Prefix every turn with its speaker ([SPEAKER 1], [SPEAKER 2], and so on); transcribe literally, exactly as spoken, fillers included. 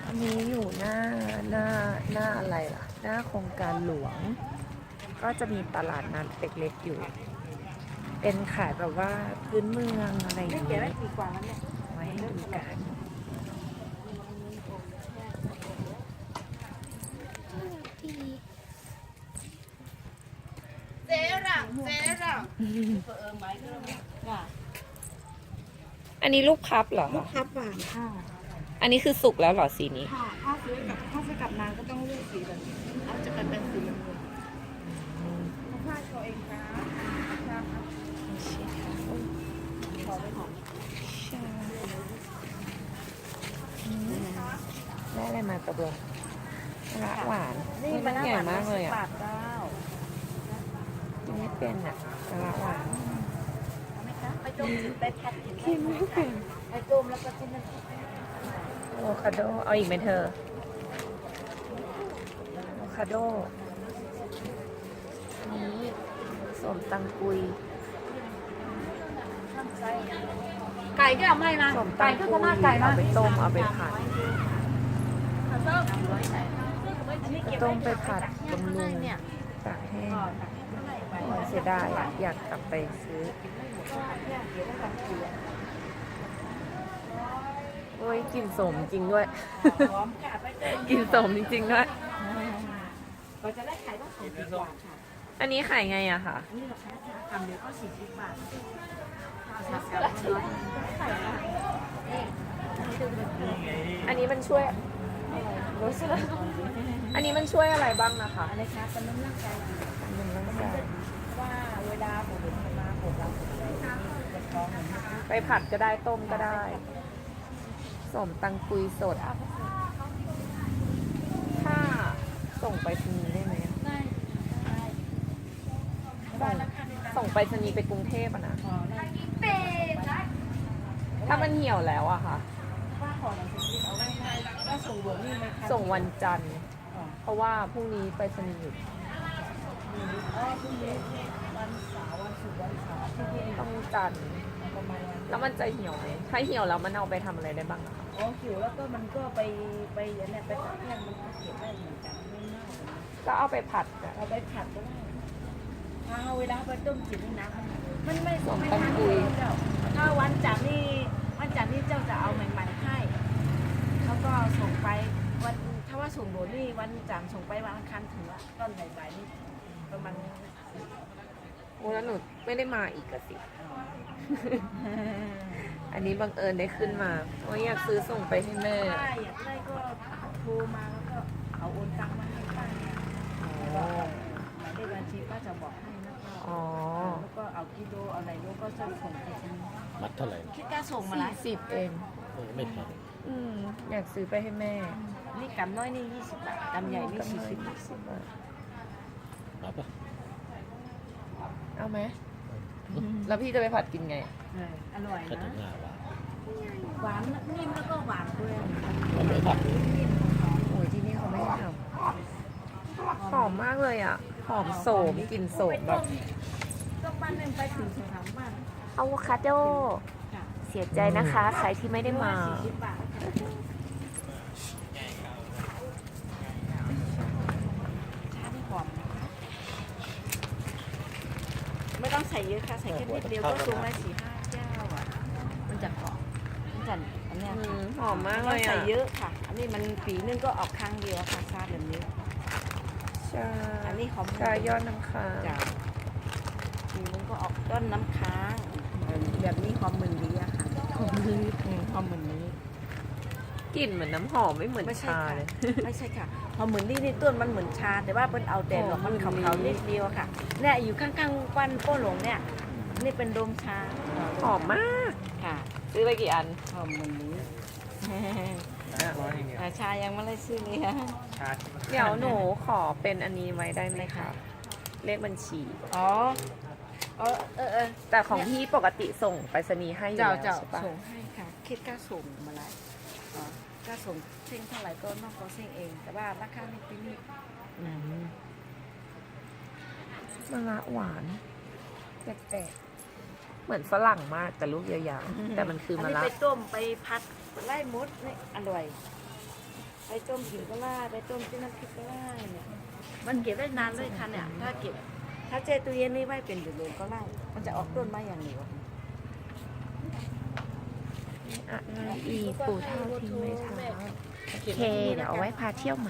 [SPEAKER 1] อันนี้อยู่หน้าหน้าหน้าอะไรล่ะ หน้าโครงการหลวง ก็จะมีตลาดนัดเล็กๆอยู่ เป็นขายแบบว่าพื้นเมืองอะไรอย่าง
[SPEAKER 2] เก็บ
[SPEAKER 1] นี้
[SPEAKER 2] ไว้ปีกว่าแล้วเนี่ย
[SPEAKER 1] ไว้ให้ดูกัน
[SPEAKER 2] เจ๊หลังเจ๊หลังเออไม้ก็ได้
[SPEAKER 1] อันนี้ลูกพับเหรอ
[SPEAKER 2] ลูก
[SPEAKER 1] คะ
[SPEAKER 2] พับหวานค่ะ
[SPEAKER 1] อันนี้คือสุกแล้วเหรอสีนี้
[SPEAKER 2] ค่ะถ้าซื้อกับถ้าซื้อกับนางก็ต้องเลือกสีแบบนี้เอาจะเป็นเป็นสีเหลืองผ้าโชว์เองค่ะครับขอไปหอม
[SPEAKER 1] ได้อะไรมากระเบือมะระหวาน
[SPEAKER 2] นี่
[SPEAKER 1] มันใหญ่มากเลยอ่ะ
[SPEAKER 2] บาทเก้า
[SPEAKER 1] กินไม่เป็นอ่ะมะระหวาน
[SPEAKER 2] เอาไหมคะไปต้มไปผัดกิน
[SPEAKER 1] กินไม่เป็น
[SPEAKER 2] ไปต้มแล้วก็จิ้มน้ำ
[SPEAKER 1] อะโวคาโด เอาอีกไหมเธออะโวคาโดอันนี้สมตังกุย
[SPEAKER 2] ไก่ก็เอาไม่นะ
[SPEAKER 1] สมตั
[SPEAKER 2] ไก่
[SPEAKER 1] ง
[SPEAKER 2] ก็
[SPEAKER 1] กุ
[SPEAKER 2] จะ
[SPEAKER 1] ย
[SPEAKER 2] น่าไก่
[SPEAKER 1] เอา
[SPEAKER 2] นะ
[SPEAKER 1] ไปต้ม เอาไปผัด ต้มไปผัดบำรุงตากแห้งโอ้ยเสียดายอะอยากกลับไปซื้อ โอ้ยกลิ่นสมจริงด้วย กลิ่นสมจริงๆด้วย
[SPEAKER 2] เราจะได้ขายต้องสองสิบบาทค่ะ
[SPEAKER 1] อันนี้ขายไงอะคะ
[SPEAKER 2] นี่ราคาทำเดียวก็สี่สิบบาทครับครับ
[SPEAKER 1] อันนี้มันช่วยรู้สึกอันนี้มันช่วยอะไรบ้างนะคะ
[SPEAKER 2] อะไรคะเป็นน้ำร่างกายดี
[SPEAKER 1] หนึ่งร่างกาย
[SPEAKER 2] ว่าเวลาผมเห็นมาผมเราจะท้องเหมือนกัน
[SPEAKER 1] ไปผัดก็ได้ต้มก็ได้ สมตังกุยสด ถ้าส่งไปรษณีย์ได้ไหมอะ
[SPEAKER 2] ได้ได้
[SPEAKER 1] ส่งส่งไปรษณีย์ไปกรุงเทพอะนะ
[SPEAKER 2] ขอได้
[SPEAKER 1] ถ้ามันเหี่ยวแล้วอะค่ะ
[SPEAKER 2] ว่าขอหนังสือเอาไว้ให้ก็ส่งบวกนี่ไหมคะ
[SPEAKER 1] ส่งวันจันทร์ เพราะว่าพรุ่งนี้ไปรษณีย์หยุด
[SPEAKER 2] อ๋อพรุ่งนี้วันเสาร์วันศุกร์วันเสาร์ที่นี่
[SPEAKER 1] ต้องจันทร์
[SPEAKER 2] ประมาณนั้น
[SPEAKER 1] แล้วมันจะเหี่ยวไหมถ้าเหี่ยวแล้วมันเอาไปทำอะไรได้บ้างอะคะ
[SPEAKER 2] อ๋อหิวแล้วก็มันก็ไปไปอย่างเนี้ยไปตัดแห้งมันก็เก็บได้เหมือนกันไม่เน่าเลยนะ
[SPEAKER 1] ก็เอาไปผัดอะ
[SPEAKER 2] เอาไปผัดก็ได้ถ้าเอาเวลาไปต้มจิบนี่นะมันไม่
[SPEAKER 1] สม
[SPEAKER 2] ไม่
[SPEAKER 1] ตัง
[SPEAKER 2] ทัน
[SPEAKER 1] กุย
[SPEAKER 2] เจ้าถ้าวันจันทร์นี่วันจันทร์นี่เจ้าจะเอาใหม่ๆให้แล้วก็ส่งไปวันถ้าว่าส่งโดนนี่วันจันทร์ส่งไปวันอังคารถึงละต้นบ่ายๆนี่ประมาณนี้
[SPEAKER 1] โอ้แล้วหนูไม่ได้มาอีกอะสิ อันนี้บังเอิญได้ขึ้นมาโอ้ยอยากซื้อส่งไปให้แม่
[SPEAKER 2] ถ้าอยากได้ก็โทรมาแล้วก็เอาโอนตังค์มาให้ป้าเนี่ย
[SPEAKER 1] อ๋อ
[SPEAKER 2] หมายเลขบัญชีป้าจะบอกให้นะคะ
[SPEAKER 1] อ๋อ
[SPEAKER 2] แล้วก็เอากิโลเอาอะไรก็จะส่งไปที่นี่
[SPEAKER 3] มัดเท่าไหร่
[SPEAKER 2] คิดค่าส่งมา
[SPEAKER 1] สี่
[SPEAKER 2] ละ
[SPEAKER 1] สิบเอง
[SPEAKER 3] เออไม่แพง
[SPEAKER 1] อืมอยากซื้อไปให้แม่
[SPEAKER 2] นี่กำน้อยนี่ยี่สิบบาทกำใหญ่นี่สี่สิบบาท
[SPEAKER 1] สิบบาท
[SPEAKER 3] รับปะ
[SPEAKER 1] เอาไหม แล้วพี่จะไปผัดกินไง
[SPEAKER 2] เอออร่อย
[SPEAKER 3] ก็ถึ
[SPEAKER 2] นะ
[SPEAKER 3] งหน้าหวาน
[SPEAKER 2] หวานนิ่มแล้วก็หวานด้วย
[SPEAKER 3] มันไม่ผัด
[SPEAKER 1] โอ้ยที่นี่เขาไม่ให้ทำหอมมากเลยอ่ะ หอมโสมกลิ่นโสมแบบ
[SPEAKER 2] ต้องบ้านหนึ่งไปถึงสองสามบ้าน
[SPEAKER 1] อะโวคาโด
[SPEAKER 2] ค่ะ
[SPEAKER 1] เสียใจนะคะ ใครที่ไม่ได้มา
[SPEAKER 2] สี่สิบบาทชาที่หอมไม่ต้องใส่เยอะค่ะ ใส่แค่นิดเดียวก็สูงได้สี่ห้าแก้วอ่ะ มันจะเกาะมันจะอันเนี้ย
[SPEAKER 1] อื
[SPEAKER 2] ค่ะ
[SPEAKER 1] มหอมมาก
[SPEAKER 2] ไม่
[SPEAKER 1] เลย
[SPEAKER 2] ใส่
[SPEAKER 1] อ่ะ
[SPEAKER 2] เยอะค่ะ อันนี้มันปีนึงก็ออกครั้งเดียวค่ะชาแบบนี้
[SPEAKER 1] ใช่
[SPEAKER 2] อันนี้หอม
[SPEAKER 1] ชายอดน้ำค้าง
[SPEAKER 2] จ้ะปีนึงก็ออกต้นน้ำค้างแบบนี้หอมเหมือนนี้อะค่ะหอมเหมือนนี้หอมเหมือนนี้
[SPEAKER 1] กลิ่นเหมือนน้ำหอมไม่เหมือน
[SPEAKER 2] ไม่ใช่
[SPEAKER 1] ชา
[SPEAKER 2] ค่ะ
[SPEAKER 1] เลย
[SPEAKER 2] ไม่ใช่ค่ะหอมเหมือนนี่นี่ต้นมันเหมือนชา แต่ว่าเป็นเอาแต่หลอกมัน
[SPEAKER 1] หอมเหมือน
[SPEAKER 2] ขาวๆนิดเดียวค่ะ เนี่ยอยู่ข้างๆปันโป้หลงเนี่ย นี่เป็นโดมชา
[SPEAKER 1] หอมมาก
[SPEAKER 2] ค่ะ
[SPEAKER 1] ซื้อไปกี่อัน
[SPEAKER 2] หอมเหมือนนี้อ่าชายังไม่ได้ซื้อเลยค่ะ
[SPEAKER 1] เดี๋ยวหนูขอเป็นอันนี้ไว้ได้ไหมคะเลขบัญชี
[SPEAKER 2] อ๋อเออเออเออ
[SPEAKER 1] แต่ของพี่ปกติส่งไปรษณีย์ให้อยู่
[SPEAKER 2] เจ้า
[SPEAKER 1] แล้ว
[SPEAKER 2] เจ้า
[SPEAKER 1] ใช่ปะ
[SPEAKER 2] ส่งให้ค่ะ คิดค่าส่งมาแล้วอ๋อค่าส่งเส้นเท่าไหร่ก็นอกก็เส้นเอง แต่ว่าราคาในปีนี้
[SPEAKER 1] อืมมะระหวานแปลกๆเหมือนฝรั่งมากแต่ลูกยาวๆแต่มันคือมะ
[SPEAKER 2] น
[SPEAKER 1] ระ
[SPEAKER 2] นี้ไปต้มไปพัดไล่มดนี่อร่อยไปต้มกินก็ได้ไปต้มจิ้มน้ำพริกก็ได้เนี่ยมันเก็บได้นานเลยค่ะเนี่ยถ้าเก็บถ้าเจตู้เย็นนี่ไว้เป็นเดือนๆก็ได้มันจะออกต้นมาอย่างเดียว
[SPEAKER 1] อะไรอีกปู่เท่าทิ้งไว้เท้าโอเค เดี๋ยวเอาไว้พาเที่ยวใหม่